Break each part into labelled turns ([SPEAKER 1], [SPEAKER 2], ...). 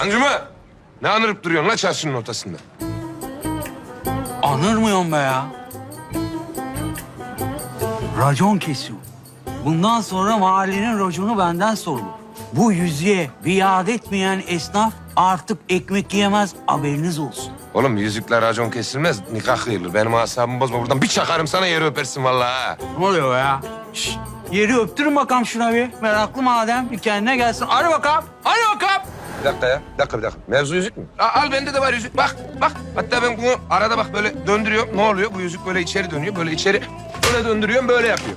[SPEAKER 1] Hancımı ne anırıp duruyorsun la çarşının ortasında?
[SPEAKER 2] Anırmıyorum be ya. Racon kesiyor. Bundan sonra mahallenin raconu benden sorulur. Bu yüzüğe biat etmeyen esnaf artık ekmek yiyemez, haberiniz olsun.
[SPEAKER 1] Oğlum yüzükler racon kesilmez, nikah kıyılır. Benim asabımı bozma. Buradan bir çakarım sana, yeri öpersin vallahi ha.
[SPEAKER 2] Ne oluyor be ya? Şişt, yeri öptürün bakalım şuna bir. Meraklı madem bir kendine gelsin. Hadi bakalım, hadi bakalım.
[SPEAKER 1] Bir dakika ya, bir dakika. Mevzu yüzük mü? Al bende de var yüzük. Bak. Hatta ben bunu arada bak böyle döndürüyorum. Ne oluyor? Bu yüzük böyle içeri dönüyor. Böyle içeri böyle döndürüyorum, böyle yapıyor.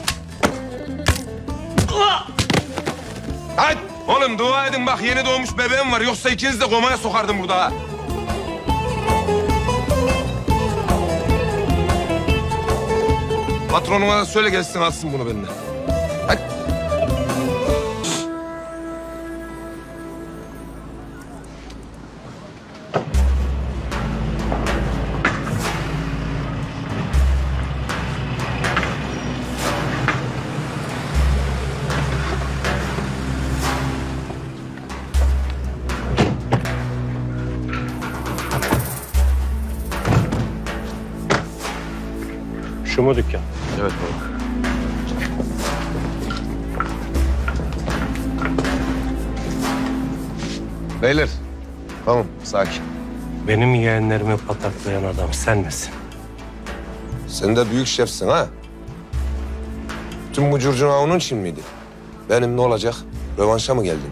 [SPEAKER 1] Hadi oğlum dua edin bak, yeni doğmuş bebeğim var. Yoksa ikiniz de komaya sokardım burada ha. Patronuma da söyle gelsin alsın bunu benden. Hadi.
[SPEAKER 3] Şu mu dükkan?
[SPEAKER 1] Evet baba. Beyler, tamam sakin.
[SPEAKER 3] Benim yeğenlerimi pataklayan adam sen misin?
[SPEAKER 1] Sen de büyük şefsin ha. Tüm bu curcuna onun için miydi? Benim ne olacak? Rövanşa mı geldin?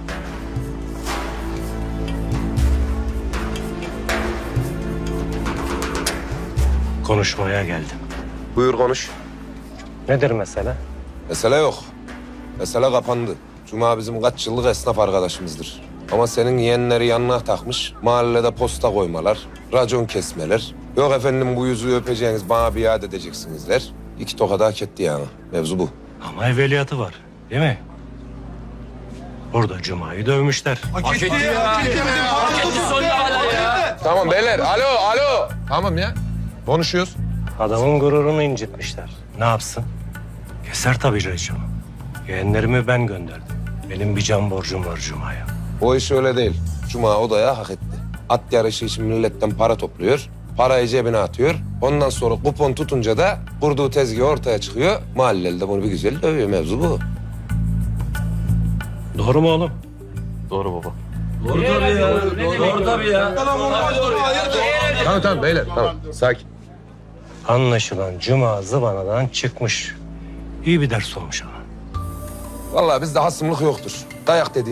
[SPEAKER 3] Konuşmaya geldim.
[SPEAKER 1] Buyur konuş.
[SPEAKER 3] Nedir mesele?
[SPEAKER 1] Mesele yok. Mesele kapandı. Cuma bizim kaç yıllık esnaf arkadaşımızdır. Ama senin yeğenleri yanına takmış, mahallede posta koymalar, racon kesmeler. Yok efendim bu yüzüğü öpeceğiniz, bana biat edeceksinizler. İki tokat hak etti yani. Mevzu bu.
[SPEAKER 3] Ama evveliyatı var değil mi? Burada Cuma'yı dövmüşler.
[SPEAKER 1] Tamam beyler, alo. Tamam ya. Konuşuyoruz.
[SPEAKER 3] Adamın gururunu incitmişler. Ne yapsın? Keser tabii raconu. Yeğenlerimi ben gönderdim. Benim bir can borcum var Cuma'ya.
[SPEAKER 1] O iş öyle değil. Cuma odaya hak etti. At yarışı için milletten para topluyor. Parayı cebine atıyor. Ondan sonra kupon tutunca da kurduğu tezgah ortaya çıkıyor. Mahalleli de bunu bir güzel dövüyor. Mevzu bu.
[SPEAKER 3] Doğru mu oğlum?
[SPEAKER 1] Tamam beyler, tamam. Sakin.
[SPEAKER 3] Anlaşılan Cuma zıvanadan çıkmış. İyi bir ders olmuş ama.
[SPEAKER 1] Vallahi bizde hasımlık yoktur. Dayak dedi.